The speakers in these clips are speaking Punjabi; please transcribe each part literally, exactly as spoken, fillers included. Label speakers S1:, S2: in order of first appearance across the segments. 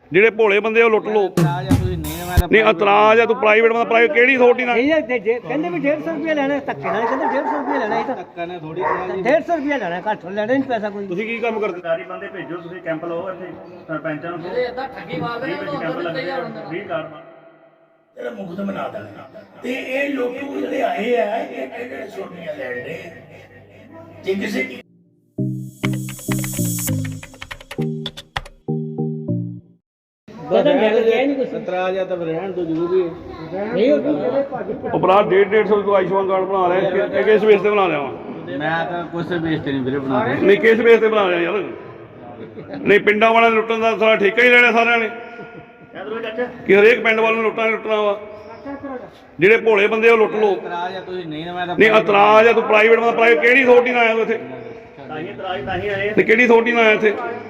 S1: ਜਿਹੜੇ ਭੋਲੇ ਬੰਦੇ ਉਹ ਲੁੱਟ ਲਓ। ਨਹੀਂ ਇਤਰਾਜ਼ ਆ ਤੂੰ ਪ੍ਰਾਈਵੇਟ ਬੰਦਾ ਪ੍ਰਾਈਵੇਟ ਕਿਹੜੀ ਅਥਾਰਟੀ ਨਾਲ
S2: ਕਹਿੰਦੇ ਵੀ ਡੇਢ ਸੌ ਰੁਪਇਆ ਲੈਣਾ ਧੱਕੇ ਨਾਲ ਕਹਿੰਦੇ ਡੇਢ ਸੌ ਰੁਪਇਆ ਲੈਣਾ ਇਹ ਤਾਂ ਧੱਕਾ ਨੇ ਥੋੜੀ ਡੇਢ ਸੌ ਰੁਪਇਆ ਲੈਣਾ ਘੱਟ ਲੈਣਾ ਨਹੀਂ ਪੈਸਾ ਕੋਈ।
S1: ਤੁਸੀਂ ਕੀ ਕੰਮ ਕਰਦੇ?
S3: ਸਰਕਾਰੀ ਬੰਦੇ ਭੇਜੋ ਤੁਸੀਂ ਕੈਂਪ ਲਾਓ ਇੱਥੇ ਸਰਪੰਚਾਂ ਨੂੰ ਜਿਹੜੇ ਇਦਾਂ ਠੱਗੀ ਮਾਰਦੇ ਨੇ ਉਹ ਕੈਂਪ ਲੱਗਦੇ ਆ ਵੀਹ ਕਾਰਡ
S4: ਇਹਦਾ ਮੁਕਤ ਬਣਾ ਦੇਣਾ ਤੇ ਇਹ ਲੋਕੀ ਜਿਹੜੇ ਆਏ ਆ ਇਹ ਕਿਹੜੇ ਸੋਨੀਆਂ ਲੈਣ ਦੇ ਜੇ ਕਿਸੇ ਕੀ
S1: ਉਪਰਾਧ ਡੇਢ ਡੇਢ ਸੌ ਤੋਂ ਆਯੁਸ਼ਮਾਨ ਕਾਰਡ ਬਣਾ ਰਿਹਾ ਕਿ ਕਿਸ ਬੇਸ ਤੇ ਬਣਾ ਰਿਹਾ ਵਾ?
S3: ਮੈਂ ਤਾਂ ਕੁਛ ਬੇਸ ਤੇ ਨਹੀਂ ਵੀਰੇ ਬਣਾ ਰਿਹਾ।
S1: ਨਹੀਂ ਕਿਸ ਬੇਸ ਤੇ ਬਣਾ ਰਿਹਾ ਯਾਰ? ਨਹੀਂ ਪਿੰਡਾਂ ਵਾਲਿਆਂ ਨੇ ਲੁੱਟਣ ਦਾ ਸਾਰਾ ਠੇਕਾ ਹੀ ਲੈਣਾ ਸਾਰਿਆਂ ਨੇ ਕਿ ਹਰੇਕ ਪਿੰਡ ਵਾਲ ਨੂੰ ਲੁੱਟਾਂ ਲੁੱਟਣਾ ਵਾ। ਜਿਹੜੇ ਭੋਲੇ ਬੰਦੇ ਉਹ ਲੁੱਟ ਲਓ।
S3: ਇਤਰਾਜ਼ ਆ ਤੁਸੀਂ ਨਹੀਂ ਮੈਂ ਤਾਂ
S1: ਨਹੀਂ ਇਤਰਾਜ਼ ਆ ਤੂੰ ਪ੍ਰਾਈਵੇਟ ਬੰਦਾ ਪ੍ਰਾਈਵੇਟ ਕਿਹੜੀ ਅਥਾਰਟੀ ਨਾਲ ਆਇਆ ਤੂੰ ਇੱਥੇ?
S3: ਤਾਂ ਹੀ ਇਤਰਾਜ਼ ਤਾਂ ਹੀ ਆਏ
S1: ਤੇ ਕਿਹੜੀ ਅਥਾਰਟੀ ਨਾਲ ਆਇਆ ਇੱਥੇ?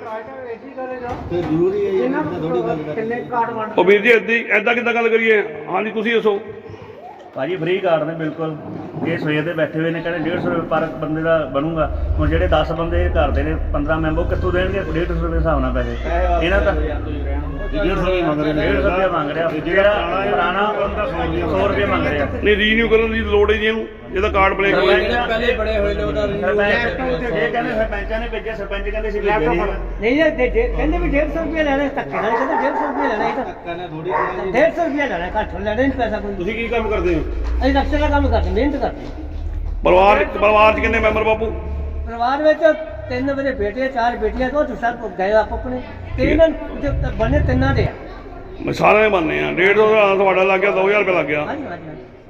S3: ਤੇ ਜ਼ਰੂਰੀ ਹੈ ਜੀ ਥੋੜੀ ਗੱਲ ਕਰ
S1: ਉਹ ਵੀਰ ਜੀ ਏਦਾਂ ਏਦਾਂ ਕਿੱਦਾਂ ਗੱਲ ਕਰੀਏ? ਹਾਂਜੀ ਤੁਸੀਂ ਦੱਸੋ।
S3: ਭਾਜੀ ਫ੍ਰੀ ਕਾਰਡ ਨੇ ਬਿਲਕੁਲ। ਇਹ ਸਵੇਰ ਦੇ ਬੈਠੇ ਹੋਏ ਨੇ ਕਹਿੰਦੇ ਡੇਢ ਸੌ ਰੁਪਏ ਪਰ ਬੰਦੇ ਦਾ ਬਣੂਗਾ। ਹੁਣ ਜਿਹੜੇ ਦਸ ਬੰਦੇ ਘਰ ਦੇ ਨੇ ਪੰਦਰਾਂ ਮੈਂਬਰ ਕਿੱਥੋਂ ਦੇਣਗੇ ਡੇਢ ਸੌ ਰੁਪਏ ਹਿਸਾਬ ਨਾਲ ਪੈਸੇ? ਇਹਨਾਂ ਤਾਂ ਡੇਢ ਸੌ ਰੁਪਏ ਮੰਗ ਰਹੇ ਨੇ। ਡੇਢ ਸੌ ਰੁਪਏ ਮੰਗ ਰਿਹਾ ਜਿਹੜਾ ਪੁਰਾਣਾ ਸੌ ਰੁਪਏ ਮੰਗ ਰਿਹਾ।
S1: ਨਹੀਂ ਰੀਨਿਊ ਕਰਨ ਦੀ ਲੋੜ ਹੀ ਨਹੀਂ ਇਹਨੂੰ ਇਹਦਾ ਕਾਰਡ ਬਲੈਕ ਹੋ ਗਿਆ।
S3: ਪਹਿਲੇ ਬੜੇ ਹੋਏ ਨੇ ਉਹਦਾ ਇਹ ਕਹਿੰਦੇ ਸਰਪੰਚਾਂ ਨੇ ਭੇਜਿਆ ਸਰਪੰਚ ਕਹਿੰਦੇ ਸੀ ਭੇਜਿਆ ਨਹੀਂ।
S2: ਨਹੀਂ ਕਹਿੰਦੇ ਵੀ ਡੇਢ ਸੌ ਰੁਪਇਆ ਲੈਣਾ ਧੱਕੇ ਨਾਲ ਕਹਿੰਦੇ ਡੇਢ ਸੌ ਰੁਪਇਆ ਲੈਣਾ ਇਹ ਤਾਂ ਧੱਕਾ ਨੇ ਥੋੜੀ ਡੇਢ ਸੌ ਰੁਪਇਆ ਲੈਣਾ ਘੱਟ ਲੈਣਾ ਨਹੀਂ ਪੈਸਾ ਕੋਈ।
S1: ਤੁਸੀਂ ਕੀ ਕੰਮ ਕਰਦੇ ਹੋ?
S2: ਅਸੀਂ ਰਕਸ਼ੇ ਦਾ ਕੰਮ ਕਰਦੇ ਮਿਹਨਤ ਕਰਦੇ।
S1: ਪਰਿਵਾਰ ਪਰਿਵਾਰ 'ਚ ਕਿੰਨੇ ਮੈਂਬਰ ਬਾਪੂ?
S2: ਪਰਿਵਾਰ ਵਿੱਚ ਤਿੰਨ ਮੇਰੇ ਬੇਟੇ ਚਾਰ ਬੇਟੀਆਂ ਤੋਂ ਸਭ ਗਏ ਆਪ ਆਪਣੇ ਤਿੰਨ ਬਣੇ ਤਿੰਨਾਂ ਦੇ ਆ।
S1: ਸਾਰਿਆਂ ਦੇ ਬਣਨੇ ਆ। ਡੇਢ ਸੌ ਦਾ ਤੁਹਾਡਾ ਲੱਗ ਗਿਆ ਦੋ ਹਜ਼ਾਰ ਰੁਪਏ ਲੱਗ ਗਿਆ।
S2: ਹਾਂਜੀ ਹਾਂਜੀ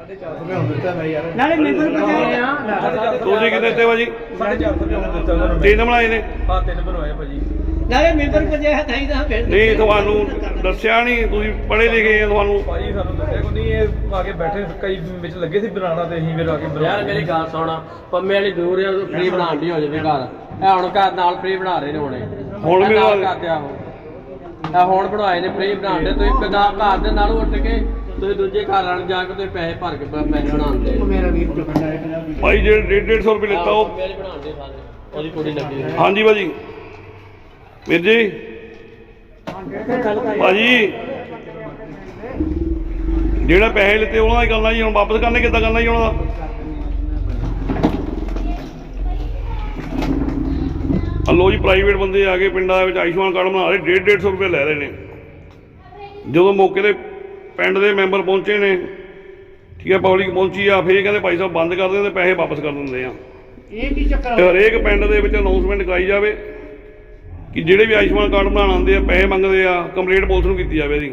S2: ਨਾਲੇ ਮੈਂਬਰ ਪਹੁੰਚਾਏ ਆ।
S1: ਤੁਸੀਂ ਕਿੰਨੇ ਤੇ ਭਾਜੀ? ਤਿੰਨ ਬਣਾਏ ਨੇ।
S3: ਹਾਂ ਤਿੰਨ ਬਣਵਾਏ ਭਾਜੀ।
S2: ਨਾਲੇ ਮੈਂਬਰ ਪਹੁੰਚਾਇਆ ਤਾਂ ਹੀ ਤਾਂ ਫਿਰ
S1: ਨਹੀਂ ਤੁਹਾਨੂੰ ਦੱਸਿਆ ਨਹੀਂ? ਤੁਸੀਂ ਪੜ੍ਹੇ ਲਿਖੇ ਆ ਤੁਹਾਨੂੰ।
S5: ਭਾਜੀ ਸਾਨੂੰ ਦੱਸਿਆ ਕੋਈ ਨਹੀਂ। ਇਹ ਆ ਕੇ ਬੈਠੇ ਕਈ ਵਿੱਚ ਲੱਗੇ ਸੀ ਬਣਾਉਣਾ ਤੇ ਅਸੀਂ ਫਿਰ ਆ ਕੇ
S6: ਯਾਰ ਮੇਰੀ ਗੱਲ ਸੁਣ ਪੰਮੇ ਵਾਲੀ ਦੂਰ ਆ ਫ੍ਰੀ ਬਣਾਉਣ ਦੀ ਹੋ ਜਾਵੇ ਘਰ। ਇਹ ਹੁਣ ਘਰ ਨਾਲ ਫ੍ਰੀ ਬਣਾ ਰਹੇ ਨੇ ਹੁਣੇ
S1: ਹੁਣ ਵੀ
S6: ਨਾਲ ਕਰਦੇ ਆ ਇਹ ਹੁਣ ਬਣਾਏ ਨੇ ਫ੍ਰੀ ਬਣਾਉਂਦੇ। ਤੁਸੀਂ ਪੰਜਾਬ ਘਰ ਦੇ ਨਾਲ ਉੱਠ ਕੇ ਤੁਸੀਂ ਦੂਜੇ ਘਰ ਨਾਲ ਜਾ ਕੇ ਤੁਸੀਂ ਪੈਸੇ ਭਰ ਕੇ ਪੈਸੇ ਬਣਾਉਂਦੇ। ਮੇਰਾ ਵੀਰ
S1: ਭਾਈ ਜਿਹੜੇ ਡੇਢ ਡੇਢ ਸੌ ਰੁਪਏ ਲਿੱਤਾ ਉਹ
S6: ਪੰਮੇ ਵਾਲੀ ਬਣਾਉਂਦੇ ਸਾਰੇ ਉਹਦੀ ਕੁੜੀ ਲੱਗੀ ਹੋਈ।
S1: ਹਾਂਜੀ ਭਾਜੀ ਵੀਰ ਜੀ ਭਾਜੀ ਜਿਹੜਾ ਪੈਸੇ ਲਿੱਤੇ ਉਹਨਾਂ ਦਾ ਹੀ ਕਰਨਾ ਜੀ। ਹੁਣ ਵਾਪਸ ਕਰਨੇ ਕਿੱਦਾਂ ਕਰਨਾ ਜੀ ਉਹਨਾਂ ਦਾ? ਹਲੋ ਜੀ ਪ੍ਰਾਈਵੇਟ ਬੰਦੇ ਆ ਕੇ ਪਿੰਡਾਂ ਦੇ ਵਿੱਚ ਆਯੁਸ਼ਮਾਨ ਕਾਰਡ ਬਣਾ ਰਹੇ ਡੇਢ ਡੇਢ ਸੌ ਰੁਪਏ ਲੈ ਰਹੇ ਨੇ। ਜਦੋਂ ਮੌਕੇ 'ਤੇ ਪਿੰਡ ਦੇ ਮੈਂਬਰ ਪਹੁੰਚੇ ਨੇ ਠੀਕ ਹੈ ਪਬਲਿਕ ਪਹੁੰਚੀ ਆ ਫਿਰ ਕਹਿੰਦੇ ਭਾਈ ਸਾਹਿਬ ਬੰਦ ਕਰ ਦਿੰਦੇ ਪੈਸੇ ਵਾਪਸ ਕਰ ਦਿੰਦੇ ਆ।
S2: ਇਹ ਕੀ ਚੱਕਰ
S1: ਹਰੇਕ ਪਿੰਡ ਦੇ ਵਿੱਚ ਅਨਾਉਂਸਮੈਂਟ ਕਰਾਈ ਜਾਵੇ ਕਿ ਜਿਹੜੇ ਵੀ ਆਯੁਸ਼ਮਾਨ ਕਾਰਡ ਬਣਾਉਣ ਆਉਂਦੇ ਆ ਪੈਸੇ ਮੰਗਦੇ ਆ ਕੰਪਲੇਂਟ ਪੁਲਿਸ ਨੂੰ ਕੀਤੀ ਜਾਵੇ ਇਹਦੀ।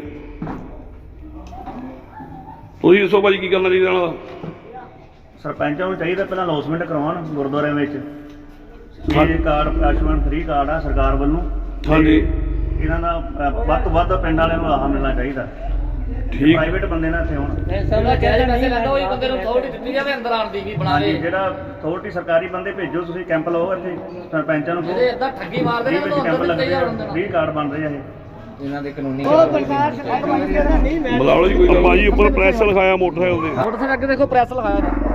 S1: ਤੁਸੀਂ ਦੱਸੋ ਭਾਜੀ ਕੀ ਕਰਨਾ ਚਾਹੀਦਾ ਇਹਨਾਂ ਦਾ?
S3: ਸਰਪੰਚਾਂ ਨੂੰ ਚਾਹੀਦਾ ਪਹਿਲਾਂ ਅਨਾਉਂਸਮੈਂਟ ਕਰਵਾਉਣ ਗੁਰਦੁਆਰਿਆਂ ਵਿੱਚ ਇਹ ਕਾਰਡ ਆਯੁਸ਼ਮਾਨ ਫ੍ਰੀ ਕਾਰਡ ਆ ਸਰਕਾਰ ਵੱਲੋਂ।
S1: ਹਾਂਜੀ
S3: ਇਹਨਾਂ ਦਾ ਵੱਧ ਤੋਂ ਵੱਧ ਪਿੰਡ ਵਾਲਿਆਂ ਨੂੰ ਆਹ ਮਿਲਣਾ ਚਾਹੀਦਾ।
S1: ਠੀਕ
S3: ਪ੍ਰਾਈਵੇਟ ਬੰਦੇ ਨਾ ਇੱਥੇ ਹੁਣ
S6: ਸਮਝ ਕੇ ਪੈਸੇ ਲੈਂਦਾ ਉਹੀ ਬੰਦੇ ਨੂੰ ਥੋੜੀ ਦਿੱਤੀ ਜਾਵੇ ਅੰਦਰ ਆਉਣ ਦੀ ਵੀ ਬਣਾ ਦੇ।
S3: ਜਿਹੜਾ ਅਥਾਰਟੀ ਸਰਕਾਰੀ ਬੰਦੇ ਭੇਜੋ ਤੁਸੀਂ ਕੈਂਪ ਲਾਓ ਇੱਥੇ ਸਰਪੰਚਾਂ ਨੂੰ
S6: ਜਿਹੜੇ ਇਦਾਂ ਠੱਗੀ ਮਾਰਦੇ ਨੇ ਉਹ
S3: ਕੈਂਪ
S6: ਅੰਦਰ
S3: ਲੱਗਦੇ
S6: ਦਿੱਤੇ
S3: ਆ
S6: ਜਾਣ।
S3: ਫ੍ਰੀ ਕਾਰਡ ਬਣ ਰਹੇ ਆ ਇਹ ਇਹਨਾਂ ਦੇ ਕਾਨੂੰਨੀ।
S2: ਉਹ ਪ੍ਰਕਾਰ ਸਰਕਾਰ ਨਹੀਂ ਮੈਂ
S1: ਬੁਲਾ ਲਓ ਜੀ ਕੋਈ। ਭਾਜੀ ਉੱਪਰ ਪ੍ਰੈਸ ਲਿਖਾਇਆ ਮੋਟਰਸਾਈਕਲ ਤੇ।
S6: ਮੋਟਰਸਾਈਕਲ ਅੱਗੇ ਦੇਖੋ ਪ੍ਰੈਸ ਲਗਾਇਆ ਨੇ।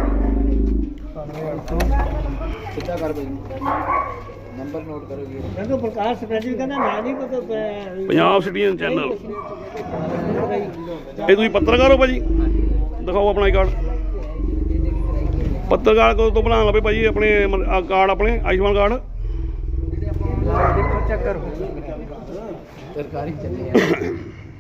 S5: ਸਿੱਧਾ ਕਰ ਭਾਈ ਨੰਬਰ ਨੋਟ ਕਰੋ ਜੀ।
S2: ਮੈਨੂੰ ਪ੍ਰਕਾਰ ਸਰਕਾਰ ਜੀ ਕਹਿੰਦਾ ਮੈਂ ਨਹੀਂ ਕੋਈ
S1: ਪੰਜਾਬ ਸਿਟੀਜ਼ਨ ਚੈਨਲ। ਇਹ ਤੁਸੀਂ ਪੱਤਰਕਾਰ ਹੋ ਭਾਜੀ? ਦਿਖਾਓ ਆਪਣਾ ਕਾਰਡ। ਪੱਤਰਕਾਰ ਕਦੋਂ ਤੋਂ ਬਣਾਉਣ ਲੱਗੇ ਭਾਜੀ ਆਪਣੇ ਆਹ ਕਾਰਡ ਆਪਣੇ ਆਯੁਸ਼ਮਾਨ ਕਾਰਡ?
S2: ਦੇਖੋ ਚੈੱਕ ਕਰੋ
S5: ਸਰਕਾਰੀ ਚੱਲੇ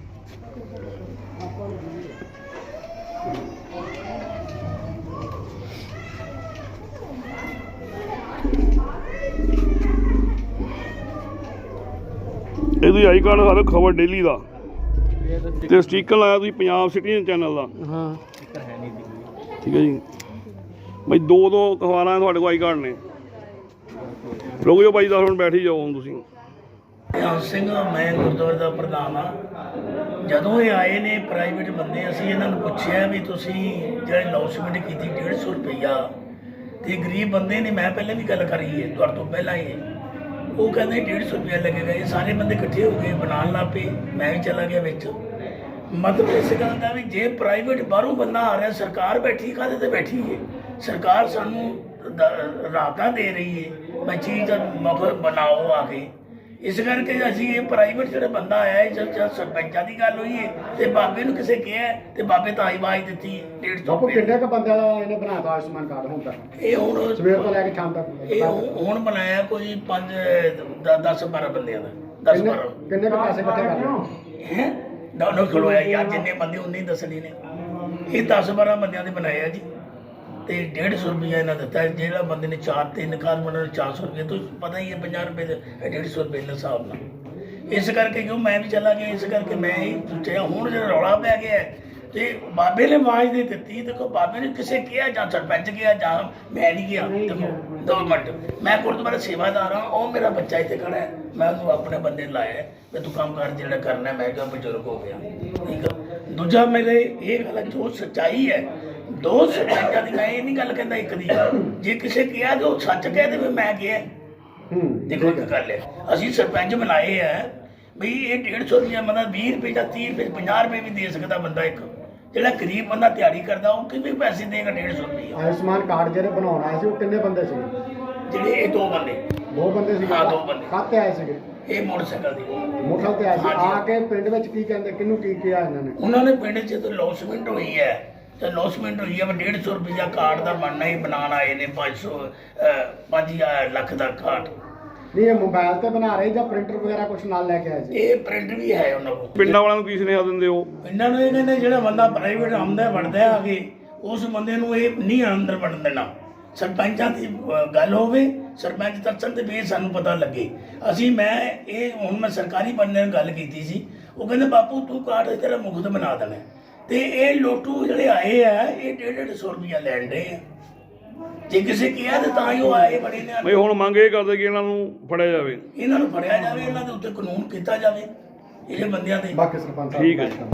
S1: ਇਹ ਤੁਸੀਂ ਆਈ ਕਾਰਡ ਦਿਖਾ ਖਬਰ ਡੇਲੀ ਦਾ ਤੇ ਸਟੀਕਰ ਲਾਇਆ ਤੁਸੀਂ ਪੰਜਾਬ ਸਿਟੀਜ਼ਨ ਚੈਨਲ ਦਾ।
S2: ਹਾਂ
S1: ਠੀਕ ਹੈ ਜੀ ਭਾਈ ਦੋ ਦੋ ਅਖਬਾਰਾਂ ਤੁਹਾਡੇ ਕੋਲ ਆਈ ਕਾਰਡ ਨੇ। ਰੁਕ ਜਾਓ ਭਾਈ ਦਸ ਮਿੰਟ ਬੈਠ ਹੀ ਜਾਓ ਹੁਣ ਤੁਸੀਂ।
S4: ਨਿਹੰਗ ਸਿੰਘ ਮੈਂ ਗੁਰਦੁਆਰੇ ਦਾ ਪ੍ਰਧਾਨ ਹਾਂ। ਜਦੋਂ ਇਹ ਆਏ ਨੇ ਪ੍ਰਾਈਵੇਟ ਬੰਦੇ ਅਸੀਂ ਇਹਨਾਂ ਨੂੰ ਪੁੱਛਿਆ ਵੀ ਤੁਸੀਂ ਜਿਹੜੇ ਅਨਾਉਂਸਮੈਂਟ ਕੀਤੀ ਡੇਢ ਸੌ ਰੁਪਈਆ ਤੇ ਗਰੀਬ ਬੰਦੇ ਨੇ ਮੈਂ ਪਹਿਲਾਂ ਵੀ ਗੱਲ ਕਰੀ ਹੈ ਤੁਹਾਡੇ ਤੋਂ ਪਹਿਲਾਂ ਹੀ। ਉਹ ਕਹਿੰਦੇ ਡੇਢ ਸੌ ਰੁਪਇਆ ਲੱਗੇਗਾ। ਇਹ ਸਾਰੇ ਬੰਦੇ ਇਕੱਠੇ ਹੋ ਗਏ ਬਣਾਉਣ ਲੱਗ ਪਏ। ਮੈਂ ਵੀ ਚਲਾ ਗਿਆ ਵਿੱਚ। ਮਤਲਬ ਇਸ ਗੱਲ ਦਾ ਵੀ ਜੇ ਪ੍ਰਾਈਵੇਟ ਬਾਹਰੋਂ ਬੰਦਾ ਆ ਰਿਹਾ ਸਰਕਾਰ ਬੈਠੀ ਕਾਹਦੇ ਤੇ ਬੈਠੀ ਹੈ? ਸਰਕਾਰ ਸਾਨੂੰ ਰਾਹਤਾਂ ਦੇ ਰਹੀ ਹੈ ਮੈਂ ਚੀਜ਼ ਦਾ ਮਗਰ ਬਣਾਓ ਆ ਕੇ। ਇਸ ਕਰਕੇ ਅਸੀਂ ਇਹ ਪ੍ਰਾਈਵੇਟ ਜਿਹੜਾ ਬੰਦਾ ਆਇਆ ਇਹ ਜਦ ਜਦ ਸਰਪੰਚਾਂ ਦੀ ਗੱਲ ਹੋਈ ਹੈ ਤੇ ਬਾਬੇ ਨੂੰ ਕਿਸੇ ਕਿਹਾ ਤੇ ਬਾਬੇ ਤਾਂ ਆਵਾਜ਼ ਦਿੱਤੀ ਡੇਢ ਸੌ
S7: ਬਾਪੂ
S4: ਰੁਪਏ।
S7: ਕਿੰਨੇ ਕ ਬੰਦਿਆਂ ਦਾ ਇਹਨੇ ਬਣਾਤਾ ਆਯੁਸ਼ਮਾਨ ਕਾਰਡ ਹੁਣ ਤੱਕ
S4: ਇਹ ਹੁਣ
S7: ਸਵੇਰ ਤੋਂ ਲੈ ਕੇ ਸ਼ਾਮ ਤੱਕ
S4: ਇਹ ਹੁਣ ਹੁਣ ਬਣਾਇਆ ਕੋਈ ਪੰਜ ਦਸ ਬਾਰਾਂ ਬੰਦਿਆਂ ਦਾ ਦਸ
S7: ਕਿੰਨੇ
S4: ਬਾਰਾਂ
S7: ਕਿੰਨੇ ਕ ਪੈਸੇ ਇਕੱਠੇ ਕਰ ਲਏ
S4: ਹੈ ਦੋਨੋਂ ਖਲੋਇਆ ਯਾਰ ਜਿੰਨੇ ਬੰਦੇ ਉਨੇ ਹੀ ਦੱਸਣੇ ਨੇ ਇਹ ਦਸ ਬਾਰਾਂ ਬੰਦਿਆਂ ਦੇ ਬਣਾਏ ਆ ਜੀ ਤੇ ਡੇਢ ਸੌ ਰੁਪਈਆ ਇਹਨਾਂ ਦਿੱਤਾ ਜਿਹੜਾ ਬੰਦੇ ਨੇ ਚਾਰ ਤਿੰਨ ਕਾਰ ਬਣਾਉਣੇ ਚਾਰ ਸੌ ਰੁਪਏ ਤੋਂ ਪਤਾ ਹੀ ਹੈ ਪੰਜਾਹ ਰੁਪਏ ਦੇ ਇਹ ਡੇਢ ਸੌ ਰੁਪਏ ਦੇ ਹਿਸਾਬ ਨਾਲ ਇਸ ਕਰਕੇ ਕਿਉਂ ਮੈਂ ਵੀ ਚਲਾ ਗਿਆ ਇਸ ਕਰਕੇ ਮੈਂ ਹੀ ਸੋਚਿਆ ਹੁਣ ਜਿਹੜਾ ਰੌਲਾ ਪੈ ਗਿਆ ਹੈ, ਤੇ ਬਾਬੇ ਨੇ ਆਵਾਜ਼ ਦੇ ਦਿੱਤੀ ਦੇਖੋ ਬਾਬੇ ਨੇ ਕਿਸੇ ਕਿਹਾ ਜਾਂ ਸਰਪੰਚ ਕਿਹਾ ਜਾਂ ਮੈਂ ਨਹੀਂ ਗਿਆ ਦੇਖੋ ਦੋ ਮਿੰਟ ਮੈਂ ਗੁਰਦੁਆਰਾ ਸੇਵਾਦਾਰ ਹਾਂ ਉਹ ਮੇਰਾ ਬੱਚਾ ਇੱਥੇ ਖੜਾ ਹੈ ਮੈਂ ਉਹਨੂੰ ਆਪਣੇ ਬੰਦੇ ਨੂੰ ਲਾਇਆ ਵੀ ਤੂੰ ਕੰਮ ਕਰ ਜਿਹੜਾ ਕਰਨਾ ਮੈਂ ਕਿਹਾ ਬਜ਼ੁਰਗ ਹੋ ਗਿਆ ਠੀਕ ਆ ਦੂਜਾ ਮੇਰੇ ਇਹ ਗੱਲ ਜੋ ਸੱਚਾਈ ਹੈ ਦੋ ਸਰਪੰਚਾਂ ਦੀ ਮੈਂ ਇਹ ਨਹੀਂ ਗੱਲ ਕਹਿੰਦਾ ਇੱਕ ਦੀ ਜੇ ਕਿਸੇ ਕਿਹਾ ਤਾਂ ਉਹ ਸੱਚ ਕਹਿ ਦੇਵੇ ਮੈਂ ਕਿਹਾ
S7: ਹੂੰ
S4: ਦੇਖੋ ਇੱਕ ਗੱਲ ਹੈ ਅਸੀਂ ਸਰਪੰਚ ਬਣਾਏ ਆ ਵੀ ਇਹ ਡੇਢ ਸੌ ਰੁਪਇਆ ਮਤਲਬ ਵੀਹ ਰੁਪਏ ਜਾਂ ਤੀਹ ਰੁਪਏ ਪੰਜਾਹ ਰੁਪਏ ਵੀ ਦੇ ਸਕਦਾ ਬੰਦਾ ਇੱਕ ਜਿਹੜਾ ਗਰੀਬ ਬੰਦਾ ਦਿਹਾੜੀ ਕਰਦਾ ਉਹ ਕਿਵੇਂ ਪੈਸੇ ਦੇਗਾ ਡੇਢ ਸੌ ਰੁਪਇਆ
S7: ਆਯੁਸ਼ਮਾਨ ਕਾਰਡ ਜਿਹੜੇ ਬਣਾਉਣ ਆਏ ਸੀ ਉਹ ਕਿੰਨੇ ਬੰਦੇ ਸੀ
S4: ਜਿਹੜੇ ਇਹ ਦੋ ਬੰਦੇ
S7: ਦੋ ਬੰਦੇ ਸੀ
S4: ਹਾਂ, ਦੋ ਬੰਦੇ।
S7: ਕਾਹਤੇ ਆਏ ਸੀਗੇ
S4: ਇਹ ਮੋਟਰਸਾਈਕਲ ਦੀ
S7: ਮੋਟਰ ਤੇ ਆਏ ਸੀ
S4: ਹਾਂਜੀ।
S7: ਆ ਕੇ ਪਿੰਡ ਵਿੱਚ ਕੀ ਕਹਿੰਦੇ ਕਿਹਨੂੰ ਕੀ ਕਿਹਾ ਇਹਨਾਂ ਨੇ
S4: ਉਹਨਾਂ ਨੇ ਪਿੰਡ 'ਚ ਤਾਂ ਲੌਸਮੈਂਟ ਹੋਈ ਹੈ ਤੇ ਲੌਸਮੈਂਟ ਹੋਈ ਹੈ ਵੀ ਡੇਢ ਸੌ ਰੁਪਇਆ ਕਾਰਡ ਦਾ ਬਣਨਾ ਹੀ ਬਣਾਉਣ ਆਏ ਨੇ ਪੰਜ ਸੌ ਪੰਜ ਹਜ਼ਾਰ ਲੱਖ ਦਾ ਕਾਰਡ
S7: ਨਹੀਂ ਇਹ ਮੋਬਾਈਲ ਤੇ ਬਣਾ ਰਹੇ ਜਾਂ ਪ੍ਰਿੰਟਰ ਵਗੈਰਾ ਕੁਝ ਨਾਲ ਲੈ ਕੇ ਆਏ ਸੀ
S4: ਇਹ ਪ੍ਰਿੰਟ ਵੀ ਹੈ ਉਹਨਾਂ ਕੋਲ
S1: ਪਿੰਡਾਂ ਵਾਲਿਆਂ ਨੂੰ ਕੀ ਸੁਨੇਹਾ ਦਿੰਦੇ ਹੋ?
S4: ਇਹਨਾਂ ਨੂੰ ਇਹ ਕਹਿੰਦੇ ਜਿਹੜਾ ਬੰਦਾ ਪ੍ਰਾਈਵੇਟ ਆਉਂਦਾ ਵੜਦਾ ਆ ਕੇ ਉਸ ਬੰਦੇ ਨੂੰ ਇਹ ਨਹੀਂ ਅੰਦਰ ਵੜਨ ਦੇਣਾ ਸਰਪੰਚਾਂ ਦੀ ਅਹ, ਗੱਲ ਹੋਵੇ ਸਰਪੰਚ ਦੱਸਣ ਤੇ ਵੀ ਸਾਨੂੰ ਪਤਾ ਲੱਗੇ ਅਸੀਂ ਮੈਂ ਇਹ ਹੁਣ ਮੈਂ ਸਰਕਾਰੀ ਬੰਦੇ ਨਾਲ ਗੱਲ ਕੀਤੀ ਸੀ ਉਹ ਕਹਿੰਦੇ ਬਾਪੂ ਤੂੰ ਕਾਰਡ ਤੇਰਾ ਮੁਕਤ ਬਣਾ ਦੇਣਾ ਤੇ ਇਹ ਲੋਟੂ ਜਿਹੜੇ ਆਏ ਆ ਇਹ ਡੇਢ ਡੇਢ ਸੌ ਰੁਪਇਆ ਲੈਣ ਦੇ ਆ ਜੇ ਕਿਸੇ ਕਿਹਾ ਤੇ ਤਾਂ ਹੀ ਉਹ ਆਏ ਬੜੇ ਨੇ
S1: ਬਈ ਹੁਣ ਮੰਗ ਇਹ ਕਰਦੇ ਕਿ ਇਹਨਾਂ ਨੂੰ ਫੜਿਆ ਜਾਵੇ।
S4: ਇਹਨਾਂ ਨੂੰ ਫੜਿਆ ਜਾਵੇ ਇਹਨਾਂ ਦੇ ਉੱਤੇ ਕਾਨੂੰਨ ਕੀਤਾ ਜਾਵੇ ਇਹ ਬੰਦਿਆਂ ਦੇ
S7: ਬਾਕੀ ਸਰਪੰਚ ਸਾਹਿਬ
S1: ਠੀਕ ਹੈ ਜੀ।